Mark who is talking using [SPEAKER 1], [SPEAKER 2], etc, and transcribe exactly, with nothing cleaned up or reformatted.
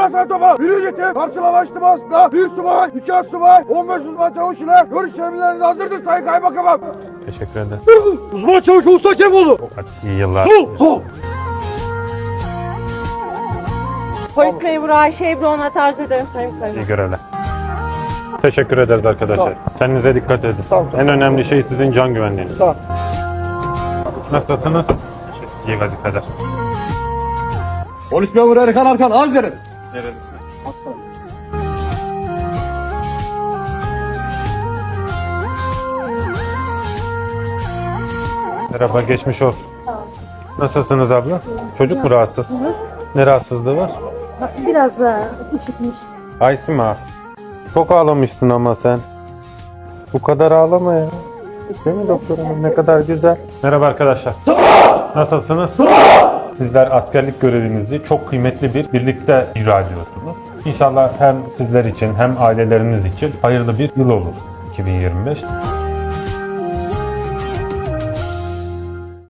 [SPEAKER 1] Galatasaray Topa Birincisi karşılama içtimasında bir subay, iki as subay, on beş uzman çavuş ile görüş emirlerini aldırdık Sayın Kaymakamım.
[SPEAKER 2] Teşekkür ederim.
[SPEAKER 1] Uzman çavuş Usta Kemoğlu.
[SPEAKER 2] İyi yıllar.
[SPEAKER 1] Sol, sol.
[SPEAKER 3] Polis memuru Ayşe Ebru'na tarz ederim Sayın
[SPEAKER 2] İyi
[SPEAKER 3] Kaymakam.
[SPEAKER 2] görevler. Teşekkür ederiz arkadaşlar. Kendinize dikkat edin. En önemli şey sizin can güvenliğiniz.
[SPEAKER 1] Sağ ol.
[SPEAKER 2] Nasılsınız? İyi vazifeler.
[SPEAKER 1] Polis memuru Erkan Arkan arz ederim.
[SPEAKER 2] Nerelisin? Merhaba, geçmiş olsun. Nasılsınız abla? Çocuk mu rahatsız? Ne rahatsızlığı var?
[SPEAKER 4] Biraz da üşütmüş.
[SPEAKER 2] Aysima, çok ağlamışsın ama sen. Bu kadar ağlama ya. Değil mi doktor hanım? Ne kadar güzel. Merhaba arkadaşlar. Nasılsınız? Sizler askerlik görevinizi çok kıymetli bir birlikte icra ediyorsunuz. İnşallah hem sizler için hem aileleriniz için hayırlı bir yıl olur iki bin yirmi beş.